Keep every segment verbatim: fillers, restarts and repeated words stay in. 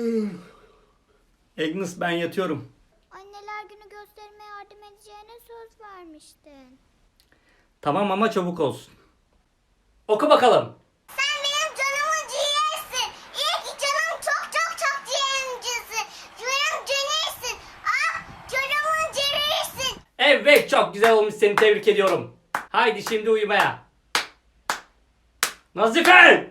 Agnes, ben yatıyorum. Anneler günü gösterime yardım edeceğine söz vermiştin. Tamam ama çabuk olsun. Oku bakalım. Sen benim canımın ciğersin. İyi ki canım çok çok çok ciğerimcisin. Canım ciğersin. Ah canımın ciğerisin. Evet, çok güzel olmuş, seni tebrik ediyorum. Haydi şimdi uyumaya. Nazife!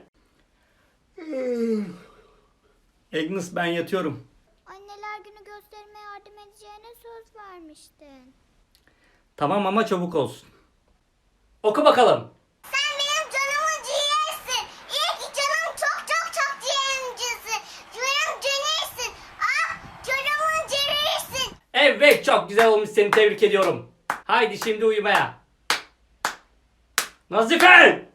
Agnes, ben yatıyorum. Anneler günü gösterime yardım edeceğine söz vermiştin. Tamam ama çabuk olsun. Oku bakalım. Sen benim canımın ciğersin. İyi ki canım çok çok çok ciğerimcisin. Canım ciğersin. Ah canımın ciğerisin. Evet, çok güzel olmuş, seni tebrik ediyorum. Haydi şimdi uyumaya. Nazife!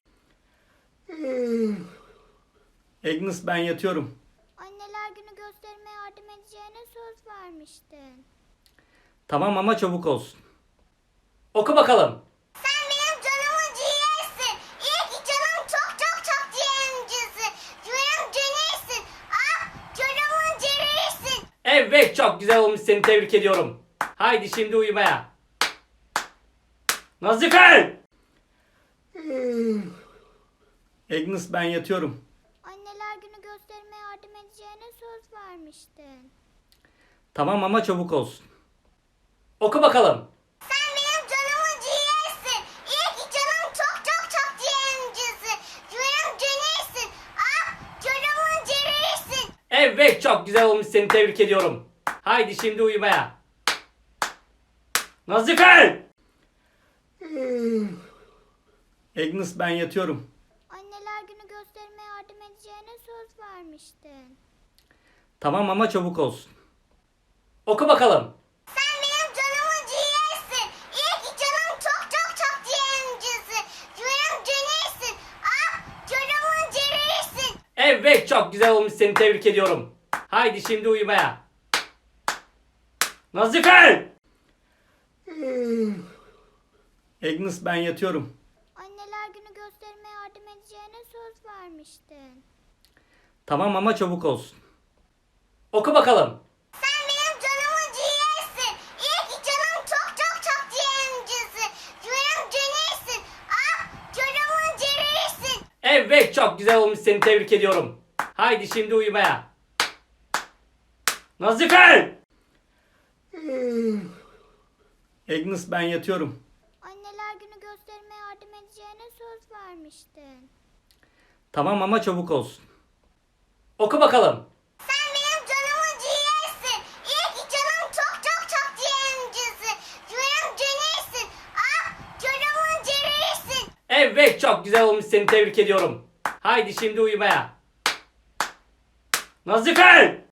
Agnes, ben yatıyorum. Anneler günü gösterime yardım edeceğine söz vermiştin. Tamam ama çabuk olsun. Oku bakalım. Sen benim canımın ciğersin. İyi ki canım çok çok çok ciğerimcisin. Canım ciğersin. Ah canımın ciğerisin. Evet, çok güzel olmuş, seni tebrik ediyorum. Haydi şimdi uyumaya. Nazife! Agnes, ben yatıyorum. Anneler günü gösterime yardım edeceğine söz vermiştin. Tamam ama çabuk olsun. Oku bakalım. Sen benim canımın ciğersin. İyi ki canım çok çok çok ciğerimcisin. Canım ciğersin. Ah canımın ciğerisin. Evet, çok güzel olmuş, seni tebrik ediyorum. Haydi şimdi uyumaya. Nazife! Agnes, ben yatıyorum. Anneler günü gösterime yardım edeceğine söz vermiştin. Tamam ama çabuk olsun. Oku bakalım. Sen benim canımın ciğersin. İyi ki canım çok çok çok ciğerimcisin. Canım ciğersin. Ah canımın ciğerisin. Evet, çok güzel olmuş, seni tebrik ediyorum. Haydi şimdi uyumaya. Nazife! Agnes, ben yatıyorum. Anneler günü gösterime yardım edeceğine söz vermiştin. Tamam ama çabuk olsun. Oku bakalım. Sen benim canımın ciğersin. İyi ki canım çok çok çok ciğerimcisin. Canım ciğersin. Ah canımın ciğerisin. Evet, çok güzel olmuş, seni tebrik ediyorum. Haydi şimdi uyumaya. Nazife! Agnes, ben yatıyorum. Anneler günü gösterime yardım edeceğine söz vermiştin. Tamam ama çabuk olsun. Oku bakalım. Sen benim canımın ciğersin. İyi ki canım çok çok çok ciğerimcisin. Canım ciğersin. Ah canımın ciğerisin. Evet, çok güzel olmuş, seni tebrik ediyorum. Haydi şimdi uyumaya. Nazife!